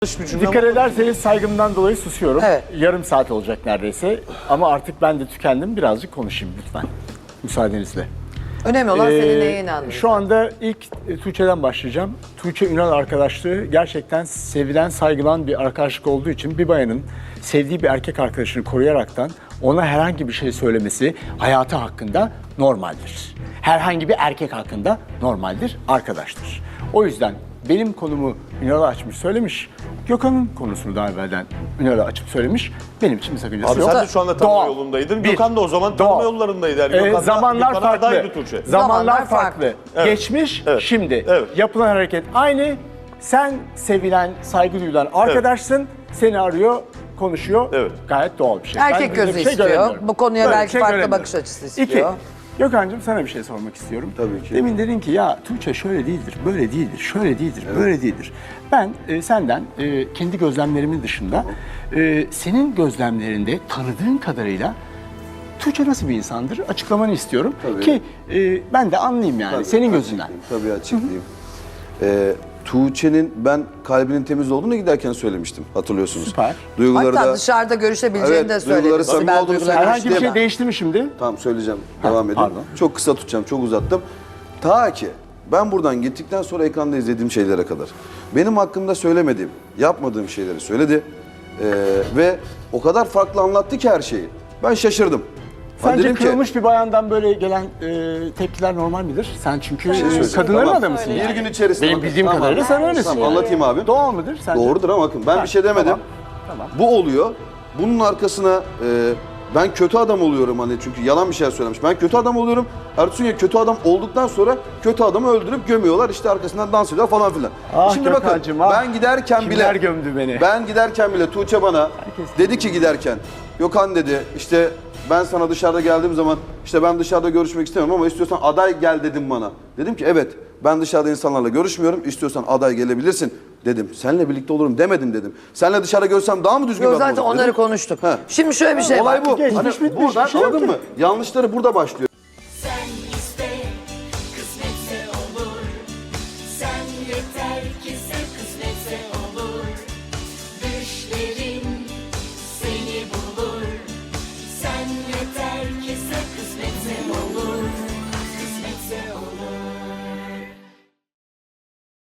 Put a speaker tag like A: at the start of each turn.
A: Dikkat ederseniz saygımdan dolayı susuyorum.
B: Evet.
A: Yarım saat olacak neredeyse. Ama artık ben de tükendim. Birazcık konuşayım lütfen. Müsaadenizle.
B: Önemli olan senin neye inandığın.
A: Şu anda ilk Tuğçe'den başlayacağım. Tuğçe Ünal arkadaşlığı gerçekten sevilen, saygılan bir arkadaşlık olduğu için bir bayanın sevdiği bir erkek arkadaşını koruyaraktan ona herhangi bir şey söylemesi hayatı hakkında normaldir. Herhangi bir erkek hakkında normaldir, arkadaştır. O yüzden benim konumu Ünal'a açmış söylemiş. Gökhan'ın konusunu daha evvelden Ünal'a açıp söylemiş. Benim için bir sakıncası yok.
C: Abi sen de şu anda tanıma
A: Doğal.
C: yolundaydın.
A: Bir.
C: Gökhan da o zaman
A: Doğal.
C: tanıma yollarındaydı. Yani Gökhan da-
A: Zamanlar
C: Gökhan'a
A: farklı.
C: adaydı Tuğçe.
A: Zamanlar farklı.
C: Evet.
A: Geçmiş,
C: Evet.
A: şimdi.
C: Evet.
A: Yapılan hareket aynı. Sen sevilen, saygı duyulan arkadaşsın. Seni arıyor, konuşuyor.
C: Evet.
A: Gayet doğal bir şey.
B: Erkek
A: Ben böyle
B: gözü
A: bir şey
B: istiyor.
A: göremiyorum.
B: Bu konuya
A: Böyle bir
B: belki
A: şey
B: farklı
A: göremiyorum.
B: bakış açısı istiyor.
A: İki, Gökhan'cığım sana bir şey sormak istiyorum.
D: Tabii ki.
A: Demin dedin ki ya Tuğçe şöyle değildir, böyle değildir, şöyle değildir, böyle değildir. Ben senden kendi gözlemlerimin dışında senin gözlemlerinde tanıdığın kadarıyla Tuğçe nasıl bir insandır açıklamanı istiyorum.
D: Tabii.
A: Ki ben de anlayayım yani
D: Tabii,
A: senin gözünden.
D: Tabii açıklayayım. Tuğçe'nin ben kalbinin temiz olduğunu giderken söylemiştim, hatırlıyorsunuz.
A: Süper.
D: Duyguları
B: Hatta
D: da
B: dışarıda görüşebileceğini de söyledi.
D: duyguları samimi
B: Sibel
D: olduğunu
B: duyguları-
D: söylemiş.
A: Herhangi bir şey
D: diyemem.
A: değişti mi şimdi?
D: Tamam söyleyeceğim, devam edin.
A: pardon.
D: Çok kısa tutacağım, çok uzattım. Ta ki ben buradan gittikten sonra ekranda izlediğim şeylere kadar benim hakkımda söylemediğim, yapmadığım şeyleri söyledi. Ve o kadar farklı anlattı ki her şeyi. Ben şaşırdım. Ben
A: Sence
D: dedim ki,
A: kırılmış bir bayandan böyle gelen tepkiler normal midir? Sen çünkü kadınların
D: Tamam.
A: adamısın
D: Bir
A: yani.
D: gün içerisinde
A: Benim
D: bakın,
A: bildiğim
D: tamam.
A: kadarıyla sen öylesin.
D: Tamam,
A: yani.
D: anlatayım abi.
A: Doğal mıdır sence?
D: Doğrudur ama bakın ben bir şey demedim.
A: Tamam.
D: Bu oluyor. Bunun arkasına ben kötü adam oluyorum hani çünkü yalan bir şey söylemiş. Ben kötü adam oluyorum. Ertuğrul Güney kötü adam olduktan sonra kötü adamı öldürüp gömüyorlar. İşte arkasından dans ediyor falan filan.
A: Ah
D: Şimdi
A: Gökhan'cığım,
D: bakın
A: ah.
D: ben giderken
A: Kimler
D: bile
A: gömdü beni?
D: Ben giderken bile Tuğçe bana
A: Herkes
D: dedi ki giderken Gökhan dedi işte ben sana dışarıda geldiğim zaman işte ben dışarıda görüşmek istemiyorum ama istiyorsan aday gel dedim bana. Dedim ki evet ben dışarıda insanlarla görüşmüyorum. İstiyorsan aday gelebilirsin dedim. Seninle birlikte olurum demedim dedim. Seninle dışarıda görsem daha mı düzgün
B: Yok,
D: bir adam
B: zaten
D: olurum
B: onları
D: dedim.
B: konuştuk.
D: He.
B: Şimdi şöyle bir şey
D: Olay
B: var.
D: bu.
A: Geçmiş,
D: Hani
A: bitmiş,
D: buradan
A: bir şey yok
D: anladın
A: ki.
D: mı? Yanlışları burada başlıyor.